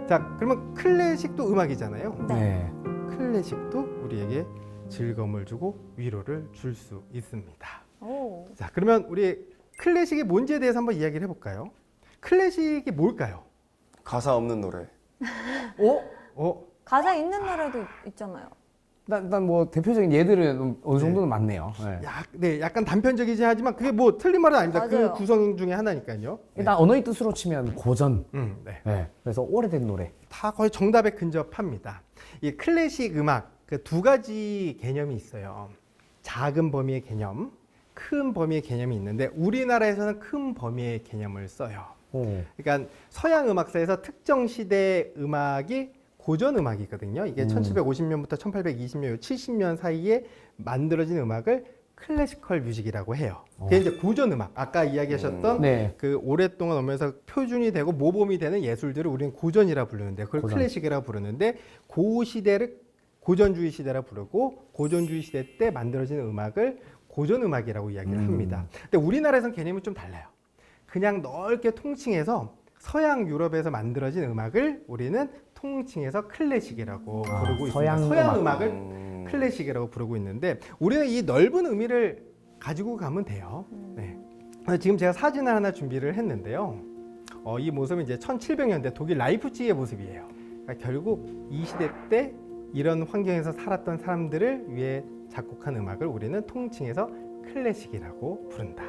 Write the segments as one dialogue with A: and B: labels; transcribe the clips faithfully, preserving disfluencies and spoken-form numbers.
A: 자, 그러면 클래식도 음악이잖아요.
B: 네.
A: 클래식도 우리에게 즐거움을 주고 위로를 줄 수 있습니다.
C: 오.
A: 자, 그러면 우리 클래식이 뭔지에 대해서 한번 이야기를 해볼까요? 클래식이 뭘까요?
D: 가사 없는 노래.
B: 어?
A: 어,
C: 가사 있는 노래도 있잖아요.
B: 일단 뭐 대표적인 예들은 어느 정도는 많네요. 네.
A: 약, 네, 약간 단편적이지 하지만 그게 뭐 틀린 말은 아닙니다.
C: 맞아요.
A: 그 구성 중에 하나니까요. 네.
B: 일단 언어의 뜻으로 치면 고전.
A: 음, 네.
B: 네. 그래서 오래된 노래.
A: 다 거의 정답에 근접합니다. 이 클래식 음악 그 두 가지 개념이 있어요. 작은 범위의 개념, 큰 범위의 개념이 있는데 우리나라에서는 큰 범위의 개념을 써요.
B: 오.
A: 그러니까 서양 음악사에서 특정 시대 음악이 고전 음악이거든요. 이게
B: 음.
A: 천칠백오십 년부터 천팔백이십 년, 칠십 년 사이에 만들어진 음악을 클래시컬 뮤직이라고 해요. 그게
B: 어.
A: 이제 고전 음악. 아까 이야기하셨던
D: 음.
B: 네.
A: 그 오랫동안 오면서 표준이 되고 모범이 되는 예술들을 우리는 고전이라 부르는데 그걸
B: 고전.
A: 클래식이라 부르는데 그 시대를 고전주의 시대라 부르고 고전주의 시대 때 만들어진 음악을 고전 음악이라고 이야기를
B: 음.
A: 합니다. 근데 우리나라에서는 개념이 좀 달라요. 그냥 넓게 통칭해서 서양 유럽에서 만들어진 음악을 우리는 통칭해서 클래식이라고
B: 아,
A: 부르고
B: 서양
A: 있습니다. 서양
B: 음악.
A: 음악을
D: 음.
A: 클래식이라고 부르고 있는데 우리는 이 넓은 의미를 가지고 가면 돼요. 네. 그래서 지금 제가 사진을 하나 준비를 했는데요. 어, 이 모습은 이제 천칠백 년대 독일 라이프치히의 모습이에요. 그러니까 결국 이 시대 때 이런 환경에서 살았던 사람들을 위해 작곡한 음악을 우리는 통칭해서 클래식이라고 부른다.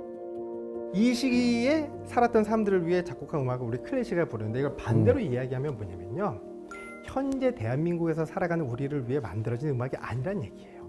A: 이 시기에 살았던 사람들을 위해 작곡한 음악을 우리 클래식이라고 부르는데 이걸 반대로
B: 음.
A: 이야기하면 뭐냐면요. 현재 대한민국에서 살아가는 우리를 위해 만들어진 음악이 아니란 얘기예요.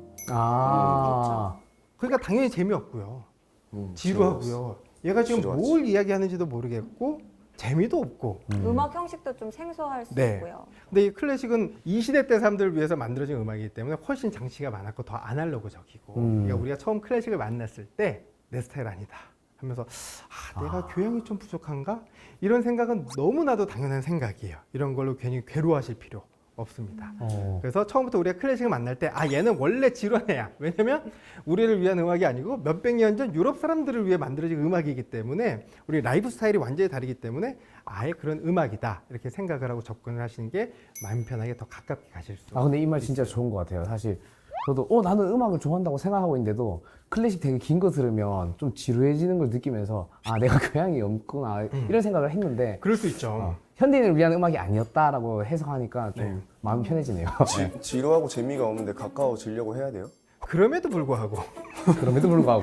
B: 아.
A: 그러니까 당연히 재미없고요.
D: 음,
A: 지루하고요. 얘가 지금
D: 지루하지.
A: 뭘 이야기하는지도 모르겠고 재미도 없고.
B: 음.
C: 음악 형식도 좀 생소할 수
A: 네.
C: 있고요.
A: 근데 이 클래식은 이 시대 때 사람들을 위해서 만들어진 음악이기 때문에 훨씬 장치가 많았고 더 아날로그적이고.
B: 음.
A: 그러니까 우리가 처음 클래식을 만났을 때 내 스타일 아니다 하면서 아, 내가
B: 아.
A: 교양이 좀 부족한가? 이런 생각은 너무나도 당연한 생각이에요. 이런 걸로 괜히 괴로워하실 필요 없습니다.
B: 어.
A: 그래서 처음부터 우리가 클래식을 만날 때 아 얘는 원래 지루한 애야. 왜냐면 우리를 위한 음악이 아니고 몇백 년 전 유럽 사람들을 위해 만들어진 음악이기 때문에 우리 라이프 스타일이 완전히 다르기 때문에 아예 그런 음악이다 이렇게 생각을 하고 접근을 하시는 게 마음 편하게 더 가깝게 가실 수
B: 아 근데 이 말 진짜 좋은 것 같아요. 사실 저도 어 나는 음악을 좋아한다고 생각하고 있는데도 클래식 되게 긴 거 들으면 좀 지루해지는 걸 느끼면서 아 내가 교양이 없구나 이런 생각을 했는데
A: 그럴 수 있죠.
B: 어, 현대인을 위한 음악이 아니었다라고 해석하니까 좀
A: 네.
B: 마음이 편해지네요.
D: 지, 지루하고 재미가 없는데 가까워지려고 해야 돼요?
A: 그럼에도 불구하고
B: 그럼에도 불구하고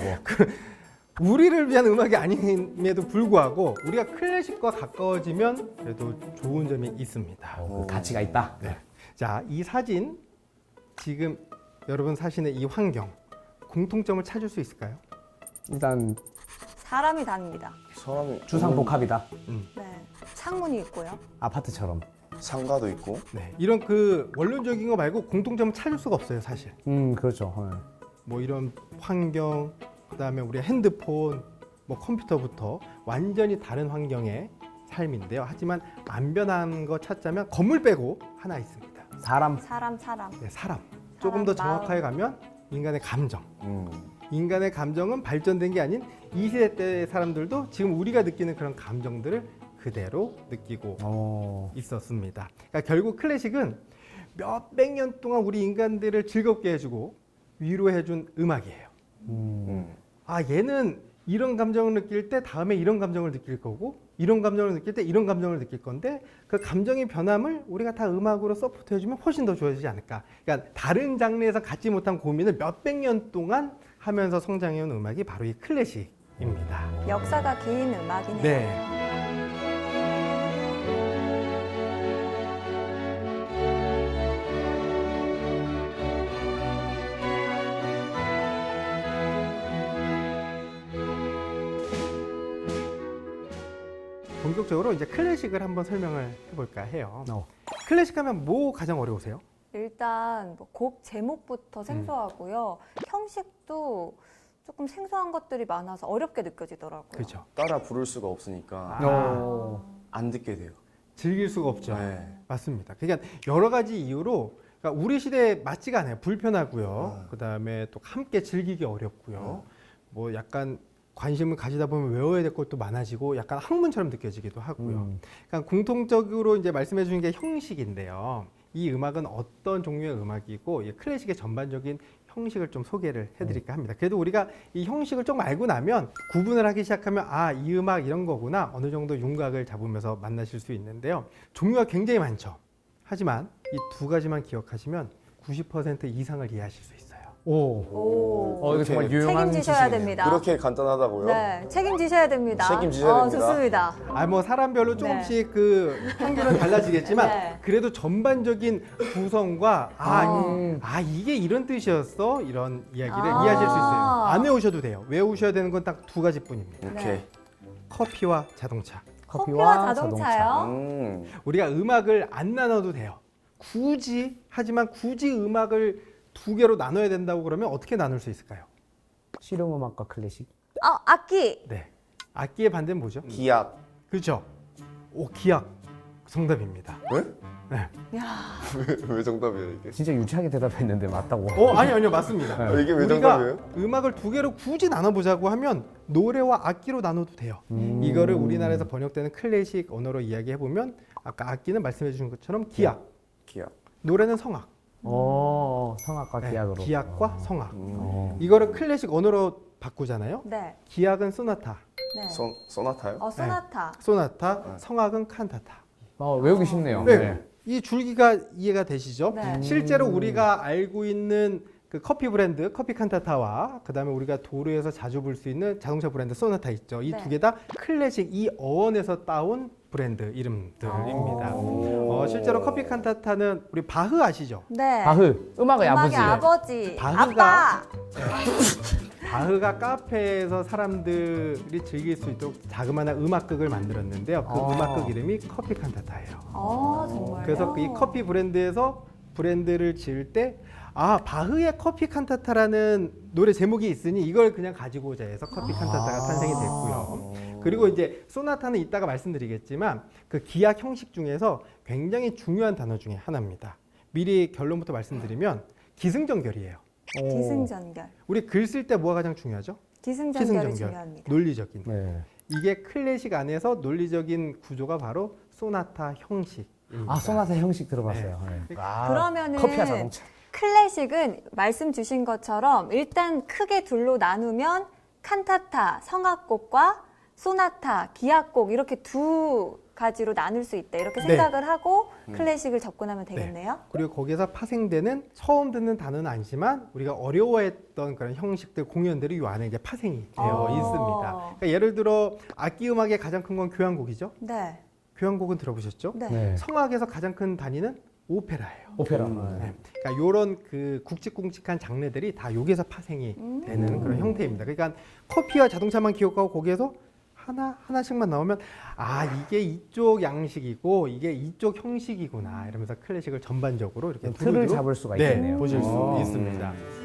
A: 우리를 위한 음악이 아님에도 불구하고 우리가 클래식과 가까워지면 그래도 좋은 점이 있습니다.
B: 어, 그 가치가 있다.
A: 네. 자, 이 사진 지금 여러분 사시는 이 환경 공통점을 찾을 수 있을까요?
B: 일단
C: 사람이 다닙니다.
D: 사람이
B: 주상복합이다.
C: 네. 창문이 있고요.
B: 아파트처럼.
D: 상가도 있고.
A: 네, 이런 그 원론적인 거 말고 공통점을 찾을 수가 없어요, 사실.
B: 음 그렇죠. 어.
A: 뭐 이런 환경, 그다음에 우리 핸드폰, 뭐 컴퓨터부터 완전히 다른 환경의 삶인데요. 하지만 안 변한 거 찾자면 건물 빼고 하나 있습니다.
B: 사람.
C: 사람, 사람.
A: 네, 사람. 조금 더
C: 마음.
A: 정확하게 가면 인간의 감정.
D: 음.
A: 인간의 감정은 발전된 게 아닌 이 시대 때 사람들도 지금 우리가 느끼는 그런 감정들을 그대로 느끼고
B: 어.
A: 있었습니다. 그러니까 결국 클래식은 몇백 년 동안 우리 인간들을 즐겁게 해주고 위로해준 음악이에요.
B: 음.
D: 음.
A: 아 얘는 이런 감정을 느낄 때 다음에 이런 감정을 느낄 거고 이런 감정을 느낄 때 이런 감정을 느낄 건데 그 감정의 변함을 우리가 다 음악으로 서포트 해주면 훨씬 더 좋아지지 않을까. 그러니까 다른 장르에서 갖지 못한 고민을 몇백 년 동안 하면서 성장해온 음악이 바로 이 클래식입니다.
C: 역사가 긴 음악이네요.
A: 네. 본격적으로 이제 클래식을 한번 설명을 해볼까 해요.
B: 어.
A: 클래식 하면 뭐 가장 어려우세요?
C: 일단 뭐곡 제목부터 생소하고요. 형식도 조금 생소한 것들이 많아서 어렵게 느껴지더라고요.
A: 그렇죠.
D: 따라 부를 수가 없으니까
B: 어.
D: 안 듣게 돼요.
A: 즐길 수가 없죠.
D: 네.
A: 맞습니다. 그러니까 여러 가지 이유로 그러니까 우리 시대에 맞지가 않아요. 불편하고요.
D: 네.
A: 그다음에 또 함께 즐기기 어렵고요.
D: 네.
A: 뭐 약간 관심을 가지다 보면 외워야 될 것도 많아지고 약간 학문처럼 느껴지기도 하고요.
B: 음.
A: 그러니까 공통적으로 이제 말씀해 주신 게 형식인데요. 이 음악은 어떤 종류의 음악이고 이 클래식의 전반적인 형식을 좀 소개를 해드릴까 합니다. 그래도 우리가 이 형식을 좀 알고 나면 구분을 하기 시작하면 아, 이 음악 이런 거구나 어느 정도 윤곽을 잡으면서 만나실 수 있는데요. 종류가 굉장히 많죠. 하지만 이 두 가지만 기억하시면 구십 퍼센트 이상을 이해하실 수 있어요.
B: 오.
C: 오.
B: 어, 이거 정말 유용한
C: 책임지셔야
B: 지식이네요.
C: 됩니다.
D: 그렇게 간단하다고요?
C: 네, 책임지셔야 됩니다.
D: 책임지셔야
C: 어,
D: 됩니다.
C: 좋습니다.
A: 아, 뭐 사람별로 조금씩 그 평균은 달라지겠지만
C: 네.
A: 그래도 전반적인 구성과 아,
B: 아.
A: 아 이게 이런 뜻이었어 이런 이야기를
C: 아.
A: 이해하실 수 있어요. 안 외우셔도 돼요. 외우셔야 되는 건 딱 두 가지뿐입니다.
D: 오케이.
C: 네.
A: 커피와 자동차.
C: 커피와 자동차요?
D: 음.
A: 우리가 음악을 안 나눠도 돼요. 굳이 하지만 굳이 음악을 두 개로 나눠야 된다고 그러면 어떻게 나눌 수 있을까요?
B: 실용음악과 클래식.
C: 어, 악기.
A: 네. 악기의 반대는 뭐죠?
D: 기악.
A: 그렇죠. 오, 기악. 정답입니다.
D: 왜?
A: 네.
C: 야,
D: 왜, 왜 정답이야 이게?
B: 진짜 유치하게 대답했는데 맞다고.
A: 어, 아니 아니요. 맞습니다.
D: 아, 이게 왜
A: 우리가
D: 정답이에요?
A: 음악을 두 개로 굳이 나눠보자고 하면 노래와 악기로 나눠도 돼요.
B: 음.
A: 이거를 우리나라에서 번역되는 클래식 언어로 이야기해보면 아까 악기는 말씀해 주신 것처럼 기악,
D: 기악.
A: 노래는 성악.
B: 어, 성악과
A: 네,
B: 기악으로.
A: 기악과 성악.
D: 음.
B: 어.
A: 이거를 클래식 언어로 바꾸잖아요.
C: 네,
A: 기악은 소나타,
C: 네.
D: 소, 소나타요?
C: 어, 소나타.
A: 소나타,
D: 네.
A: 성악은 칸타타.
B: 어, 외우기 쉽네요.
A: 네. 이 줄기가 이해가 되시죠?
C: 네.
A: 실제로 우리가 알고 있는 그 커피 브랜드 커피 칸타타와 그다음에 우리가 도로에서 자주 볼 수 있는 자동차 브랜드 소나타 있죠. 이
C: 네.
A: 두 개 다 클래식 이 어원에서 따온 브랜드 이름들입니다.
D: 오.
A: 어, 실제로 커피 칸타타는 우리 바흐 아시죠?
C: 네.
B: 바흐, 음악의 아버지.
C: 음악의 아버지.
A: 바흐가-
C: 아빠.
A: 바흐가 카페에서 사람들이 즐길 수 있도록 자그마한 음악극을 만들었는데요. 그
B: 아.
A: 음악극 이름이 커피 칸타타예요.
C: 어, 정말요?
A: 그래서 이 커피 브랜드에서 브랜드를 지을 때 아, 바흐의 커피 칸타타라는 노래 제목이 있으니 이걸 그냥 가지고자 해서 커피 칸타타가 탄생이 됐고요. 그리고 이제 소나타는 이따가 말씀드리겠지만 그 기악 형식 중에서 굉장히 중요한 단어 중에 하나입니다. 미리 결론부터 말씀드리면 기승전결이에요.
B: 오.
C: 기승전결.
A: 우리 글 쓸 때 뭐가 가장 중요하죠?
C: 기승전결이
A: 기승전결.
C: 중요합니다.
A: 논리적인.
B: 네.
A: 이게 클래식 안에서 논리적인 구조가 바로 소나타 형식입니다.
B: 아, 소나타 형식 들어봤어요. 네. 아,
C: 그러면은
B: 커피와 자동차.
C: 클래식은 말씀 주신 것처럼 일단 크게 둘로 나누면 칸타타, 성악곡과 소나타, 기악곡 이렇게 두 가지로 나눌 수 있다. 이렇게
A: 네.
C: 생각을 하고 클래식을 접근하면 되겠네요.
A: 그리고 거기서 파생되는 처음 듣는 단어는 아니지만 우리가 어려워했던 그런 형식들, 공연들이 이 안에 이제 파생이 되어
C: 어.
A: 있습니다. 그러니까 예를 들어 악기 음악의 가장 큰 건 교향곡이죠.
C: 네.
A: 교향곡은 들어보셨죠?
C: 네.
B: 네.
A: 성악에서 가장 큰 단위는 오페라예요.
B: 오페라.
D: 음.
B: 네.
A: 그러니까 이런 그 굵직굵직한 장르들이 다 여기서 파생이
C: 음.
A: 되는 그런 형태입니다. 그러니까 커피와 자동차만 기억하고 거기에서 하나 하나씩만 나오면 아 이게 이쪽 양식이고 이게 이쪽 형식이구나 이러면서 클래식을 전반적으로 이렇게
B: 틀을
A: 두루두루
B: 잡을 수가
A: 네,
B: 있겠네요.
A: 보실 수
B: 어.
A: 있습니다.